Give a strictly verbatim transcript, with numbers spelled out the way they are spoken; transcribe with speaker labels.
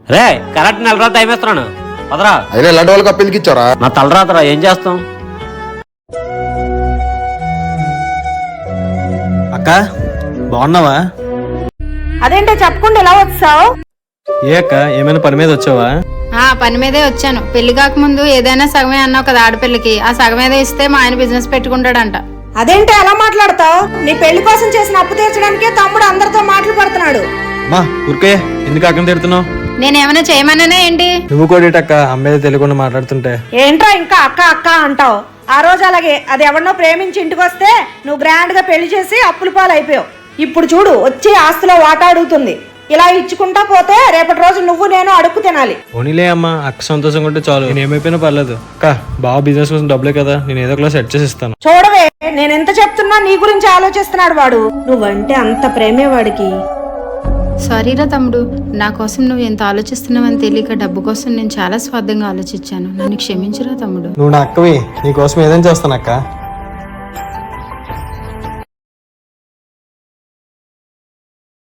Speaker 1: రే correct నెల రోజులు time ఇస్తున్నాను పదరా.
Speaker 2: అయినా ఇలాంటి వాళ్ళకి అప్పీల్కి ఇచ్చారా?
Speaker 1: నా తలరాతరా ఏం చేస్తాం.
Speaker 3: అక్క బాగున్నావా?
Speaker 4: అదేంటో చెప్పకుండా ఎలా వచ్చావు?
Speaker 3: ఏ అక్క ఏమైనా పని మీద వచ్చావా?
Speaker 5: ఆ పని మీదే వచ్చాను. పెళ్లి కాకముందు ఏదైనా సగమే అన్నావు కదా ఆడపిల్లకి, ఆ సగం ఏదో ఇస్తే మా ఆయన బిజినెస్ పెట్టుకుంటాడంట.
Speaker 4: అదేంటో ఎలా మాట్లాడతావు? నీ పెళ్లి కోసం చేసిన అప్పు తీర్చడానికే తమ్ముడు అందరితో మాటలు పడుతున్నాడు.
Speaker 3: మా ఊరికే ఎందుకు అక్కని తిడుతున్నావు?
Speaker 5: నేనేమైనా చేయమన్నానే ఏంటి?
Speaker 3: నువ్వు కోడేటక్క అమ్మేది తెలియకుండా మాట్లాడుతుంటే.
Speaker 4: ఏంట్రా ఇంకా అక్క అక్క అంటావు? ఆ రోజు అలాగే అది ఎవరినో ప్రేమించి ఇంటికి వస్తే నువ్వు గ్రాండ్ గా పెళ్లి చేసి అప్పుల పాలు అయిపోయావు. ఇప్పుడు చూడు వచ్చి ఆస్తిలో వాటా అడుగుతుంది. ఇలా ఇచ్చుకుంటా పోతే రేపటి రోజు నువ్వు నేను అడుక్కు తినాలి.
Speaker 3: పోనీలే అమ్మా, అక్క సంతోషంగా ఉంటే చాలు. నేను ఏమైపోయినా పర్లేదు అక్క. బాగా బిజినెస్ కోసం డబ్బులే కదా, నేను ఏదో ఒకలా సెట్ చేసి ఇస్తాను.
Speaker 4: చూడవే నేను ఎంత చెప్తున్నా నీ గురించి ఆలోచిస్తున్నాడు వాడు. నువ్వంటే అంత ప్రేమే వాడికి.
Speaker 5: సారీరా తమ్ముడు, నా కోసం నువ్వు ఎంత ఆలోచిస్తున్నావని తెలియక డబ్బు కోసం నేను చాలా స్వార్థంగా ఆలోచించాను. నన్ను క్షమించురా తమ్ముడు.
Speaker 3: నువ్వు నా అక్కవి, నీ కోసం ఏదైనా చేస్తాను అక్క.